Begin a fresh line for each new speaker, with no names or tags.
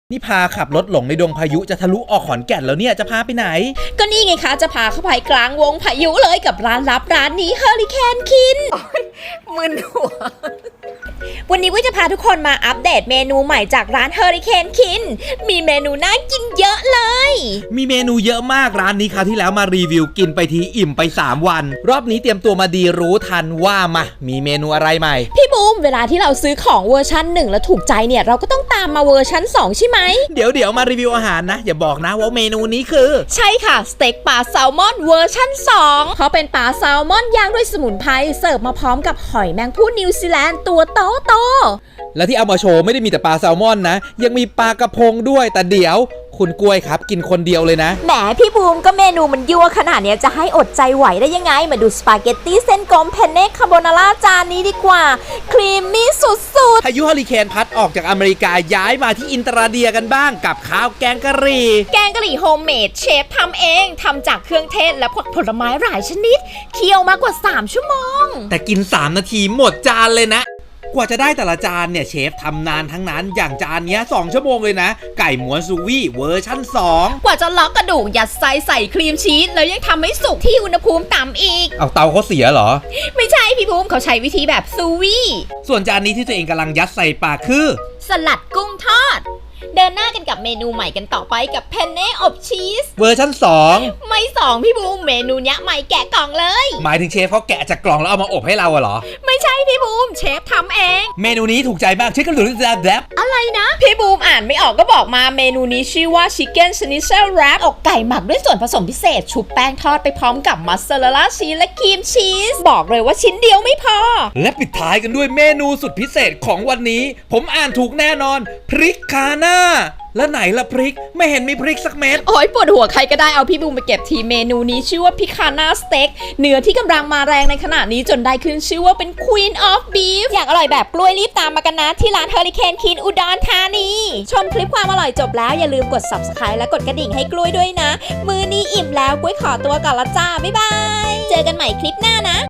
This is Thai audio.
นี่พาขับรถหลงในดงพายุจะทะลุออกขอนแก่นแล้วเนี่ยจะพาไปไหน
ก็นี่ไงคะจะพาเข้าไปกลางวงพายุเลยกับร้านลับร้านนี้เฮอริเคนคินมึนหัววันนี้วิจะพาทุกคนมาอัปเดตเมนูใหม่จากร้านเฮอริเคนคินมีเมนูน่ากินเยอะเลย
มีเมนูเยอะมากร้านนี้คราวที่แล้วมารีวิวกินไปทีอิ่มไป3วันรอบนี้เตรียมตัวมาดีรู้ทันว่ามามีเมนูอะไรใหม่
พี่บูมเวลาที่เราซื้อของเวอร์ชัน1แล้วถูกใจเนี่ยเราก็ต้องตามมาเวอร์ชัน2ใช่ไหม
เดี๋ยวมารีวิวอาหารนะอย่าบอกนะว่าเมนูนี้คือ
ใช่ค่ะสเต็กปลาแซลมอนเวอร์ชัน2เขาเป็นปลาแซลมอนย่างด้วยสมุนไพรเสิร์ฟมาพร้อมกับหอยแมงผู้นิวซีแลนด์ตัวโต
และที่เอามาโชว์ไม่ได้มีแต่ปลาแซลมอนนะยังมีปลากระพงด้วยแต่เดี๋ยวคุณกล้วยครับกินคนเดียวเลยนะ
แหมพี่บูมก็เมนูมันยั่วขนาดนี้จะให้อดใจไหวได้ยังไงมาดูสปาเกตตี้เส้นกลมเพนเน่คาโบนาร่าจานนี้ดีกว่าครีมมี่สุด
ๆพายุเฮอริเคนพัดออกจากอเมริกาย้ายมาที่อินเตอร์เดียกันบ้างกับข้าวแกงกะหรี่
โฮมเมดเชฟทำเองทำจากเครื่องเทศและผลไม้หลายชนิดเคี่ยวมากกว่า3ชั่วโมง
แต่กิน3นาทีหมดจานเลยนะกว่าจะได้แต่ละจานเนี่ยเชฟทำนานทั้งนั้นอย่างจานนี้2ชั่วโมงเลยนะไก่หมวนซูวี่เวอร์ชั่น2
กว่าจะล็อกกระดูกยัดไส้ใส่ครีมชีสแล้วยังทำให้สุกที่อุณหภูมิต่ำอีก
เอาเตาเขาเสียเหรอ
ไม่ใช่พี่บูมเขาใช้วิธีแบบซูวี่
ส่วนจานนี้ที่ตัวเองกำลังยัดใส่ปากคือ
สลัดกุ้งทอดเดินหน้ากันกับเมนูใหม่กันต่อไปกับเพนเน่อบชีส
เวอร์ชั่น2
ไม่2พี่บูมเมนูนี้ใหม่แกะกล่องเลย
หมายถึงเชฟเขาแกะจากกล่องแล้วเอามาอบให้เราเหรอ
ไม่ใช่พี่บูมเชฟทำเอง
เมนูนี้ถูกใจมากชื่อกันหรือแรป
อะไรนะพี่บูมอ่านไม่ออกก็บอกมาเมนูนี้ชื่อว่า Chicken Schnitzel Wrap อกไก่หมักด้วยส่วนผสมพิเศษชุบแป้งทอดไปพร้อมกับมัสซาเรลล่าชีสและครีมชีสบอกเลยว่าชิ้นเดียวไม่พอ
และปิดท้ายกันด้วยเมนูสุดพิเศษของวันนี้ผมอ่านถูกแน่นอนพริกคาน่าแล้วไหนล่ะพริกไม่เห็นมีพริกสักเม็ด
โอ้ยปวดหัวใครก็ได้เอาพี่บูมไปเก็บทีเมนูนี้ชื่อว่าพิคาน่าสเต็กเนื้อที่กำลังมาแรงในขณะนี้จนได้ขึ้นชื่อว่าเป็น Queen of Beef อยากอร่อยแบบกล้วยรีบตามมากันนะที่ร้านเฮอริเคนคินอุดรธานีชมคลิปความอร่อยจบแล้วอย่าลืมกด Subscribe และกดกระดิ่งให้กล้วยด้วยนะมื้อนี้อิ่มแล้วกล้วยขอตัวก่อนละจ้าบ๊ายบายเจอกันใหม่คลิปหน้านะ